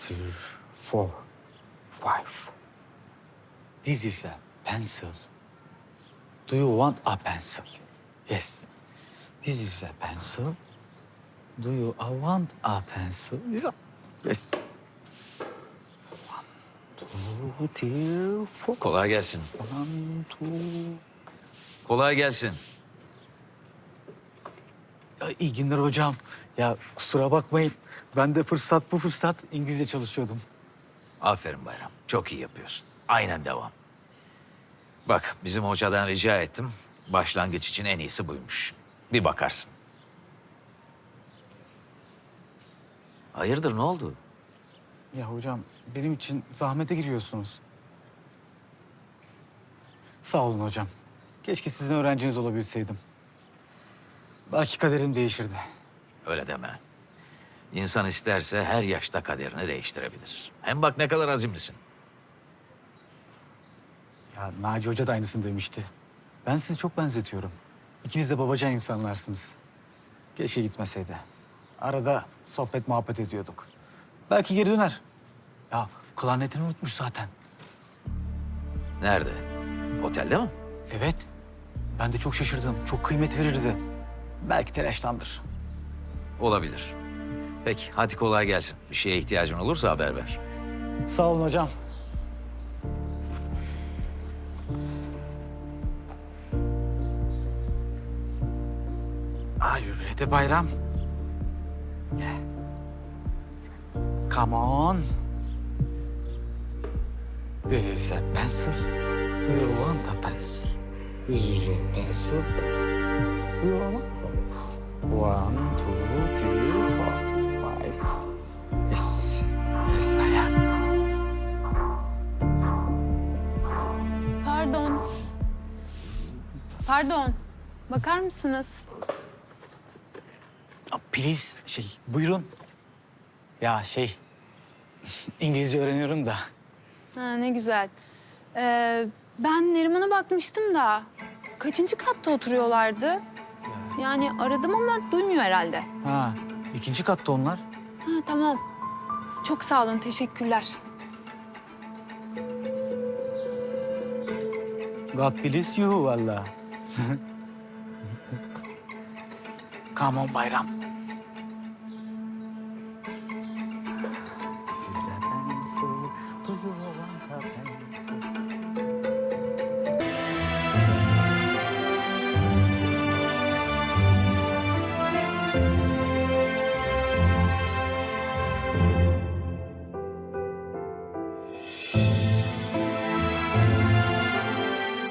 three, four, five. This is a pencil. Do you want a pencil? Yes. This is a pencil. Do you want a pencil? Yeah. Yes. One, two, three, four. Kolay gelsin. One, two. Kolay gelsin. Ya, iyi günler hocam. Ya kusura bakmayın. Ben de bu fırsat İngilizce çalışıyordum. Aferin Bayram. Çok iyi yapıyorsun. Aynen devam. Bak bizim hocadan rica ettim. Başlangıç için en iyisi buymuş. Bir bakarsın. Hayırdır ne oldu? Ya hocam benim için zahmete giriyorsunuz. Sağ olun hocam. Keşke sizin öğrenciniz olabilseydim. Belki kaderim değişirdi. Öyle deme. İnsan isterse her yaşta kaderini değiştirebilir. Hem bak ne kadar azimlisin. Ya Naci Hoca da aynısını demişti. Ben sizi çok benzetiyorum. İkiniz de babacan insanlarsınız. Keşke gitmeseydi. Arada sohbet muhabbet ediyorduk. Belki geri döner. Ya klarnetini unutmuş zaten. Nerede? Otelde mi? Evet. Ben de çok şaşırdım. Çok kıymet verirdi. Belki telaştandır. Olabilir. Peki hadi kolay gelsin. Bir şeye ihtiyacın olursa haber ver. Sağ olun hocam. Are you ready Bayram? Yeah. Come on. This is a pencil. Do you want a pencil? This is a pencil. Do you want a pencil? One, two, three, four, five. Yes. Yes, I am. Pardon. Pardon. Bakar mısınız? Please, buyurun. Ya İngilizce öğreniyorum da. Ha, ne güzel. Ben Neriman'a bakmıştım da kaçıncı katta oturuyorlardı? Yani aradım ama duymuyor herhalde. Ha, ikinci katta onlar. Ha, tamam. Çok sağ olun, teşekkürler. God bless you valla. Come on Bayram. This is a pencil. Do you want a pencil?